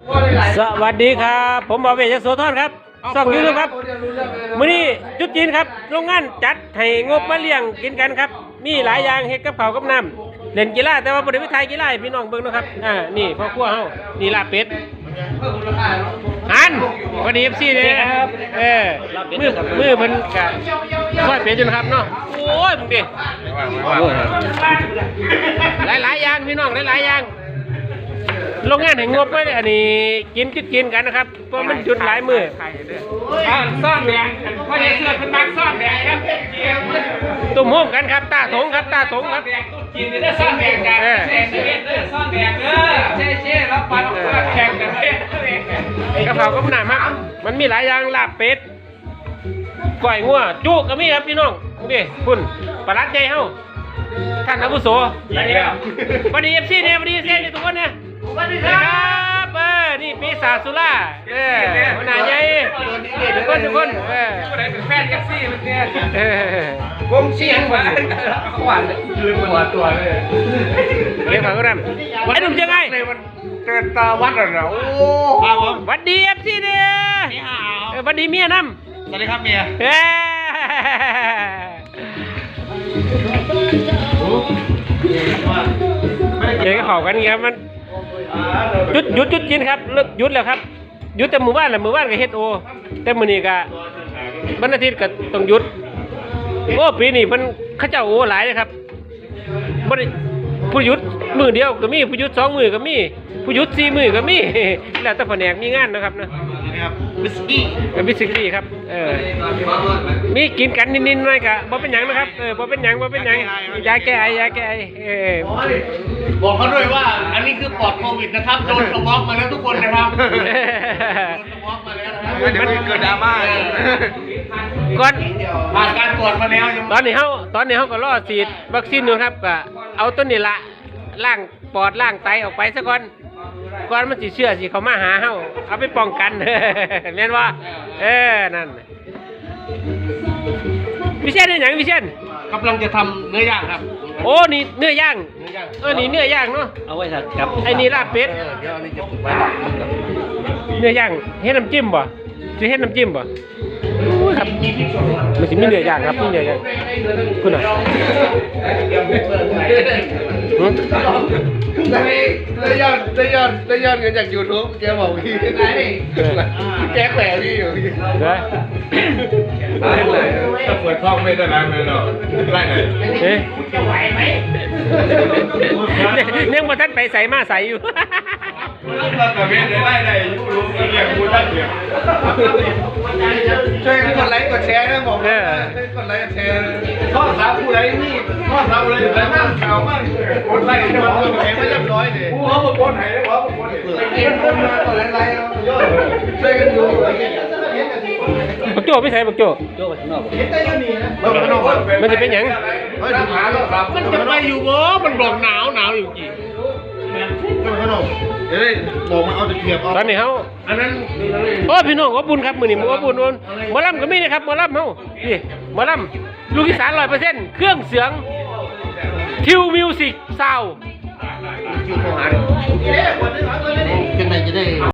สวัสดีครับผมบอเวยโสธรครับส่องยูทูบครับมื้อนี้จุดจีนครับโรงงานจัดให้งบมาเลี้ยงกินกันครับมีหลายอย่างเฮ็ดกับข้าวกับน้ำเล่นกีฬาแต่ว่าบ่ได้ไปถ่ายกีฬาให้พี่น้องเบิ่งนะครับนี่พ่อครัวเฮานี่ลาบเป็ดหันพอดี FC เด้ครับมือเพิ่นก็ซอยเป็ดอยู่นะครับเนาะโอ้ยมึงดิหลายอย่างพี่น้องหลายอย่างโรงงานแห่งงบไว้อันนี้กินกันนะครับเพราะมันจุดหลายมือซ่อนแดงพ่อใหญ่เสื้อเป็นมักซ่อนแดงครับตุ่มโฮมกันครับตาถงครับกินได้ซ่อนแดงกันซ่อนแดงเช่รับปันแข่งกันกระเพราก็หนามากมันมีหลายอย่างลาบเป็ดก้อยงัวจุก็มีครับพี่น้องนี่คุณปลัดใจเฮาท่านอาวุโสสวัสดี FC เนี่ยสวัสดีเซนทุกคนเนี่ยสวัสดีครับนี่ปีศาจสุราหัวหน้าใหญ่ทุกคนเป็นแฟนแท็กซี่มันเนี่ยวงเชียงหวานลืมหัวตัวเลยเรียกเขาก็นั่นไอ้หนุ่มยังไงเกิดตาวัดเหรอโอ้สวัสดี FC เนี่ยสวัสดีเมียน้ำสวัสดีครับเมียเดี๋ยวก็ขอกันครับมันหยุดกินครับหยุดแล้วครับหยุดแต่หมู่บ้านก็เฮ็ดโอแต่มื้อนี้ก็วันอาทิตย์ก็ต้องหยุดโอ้ปีนี้เพิ่นเขาเจ้าโอหลายนะครับบ่ได้ผู้หยุดมื้อเดียวก็มีผู้หยุด2มื้อก็มีผู้หยุด4มื้อก็มีแล้วแต่แผนกมีงานนะครับนะวิสกี้ครับมีกินกันนิดๆหน่อยก็บ่เป็นหยังนะครับบ่เป็นหยังยาแก้ไอบอกเขาด้วยว่าอันนี้คือปลอดโควิดนะครับโดนสมองมาแล้วทุกคนนะครับโดนสมองมาแล้วนะครับเดี๋ยวมันเกิดดราม่าก่อนผ่านการตรวจมาแล้วตอนนี้เฮาก็รอฉีดวัคซีนอยู่ครับก็เอาต้นนี้ละล้างปอดล้างไตออกไปซะก่อนมันสิเชื่อสิเขามาหาเฮาเอาไปป้องกันแม่นว่านั่นวิเชียนนี่หยังวิเชียนกำลังจะทำเนื้อย่างครับโอ้นี่เนื้อย่างนี่เนื้อย่างเนาะเอาไว้ครับไอ้นี่ลาบเป็ดเดี๋ยวอันนี้จะไว้เนื้อย่างเฮ็ดน้ำจิ้มบ่สิเฮ็ดน้ำจิ้มบ่ครับมันสิมีเนื้อย่างครับมีเนื้อย่างคุณน่ะได้ยอดเงินจาก YouTube แกบอกพี่แกแขวพี่อยู่พี่ได้เลยถ้าเปิดช่องไม่ได้แล้วเลยเนาะได้เลยจะไหวไหมเนี่ยบ่ทันไปใส่มาใส่อยู่แต่เว้นได้รู้เรียกกูได้เดียวช่วยกดไลค์กดแชร์นะบอกกดไลค์กดแชร์ข้อสามผู้ใดนี่ข้อสามผู้ใดแต่หน้าข่าวมากกดไลค์กดแชร์ไม่เรียบร้อยเลยผู้เขาบอกคนไหนเขาบอกคนกดไลค์ช่วยกันดูบักโจ้ไม่ใช่บักโจ้ไปข้างนอกมันจะเป็นหยังมันจะไปอยู่บ่มันบอกหนาวอยู่กี่ข้างนอกบอกมาเอาตะเกียบตอนนี้เฮาอันนั้นโอ้พี่น้องขอบคุณครับมื้อนี้ขอบคุณหมอลำก็มีนะครับหมอลำเฮานี่หมอลำลูกอีสาน 100% เครื่องเสียงทิวมิวสิกซาวด์คิวโทรหาดิจะได้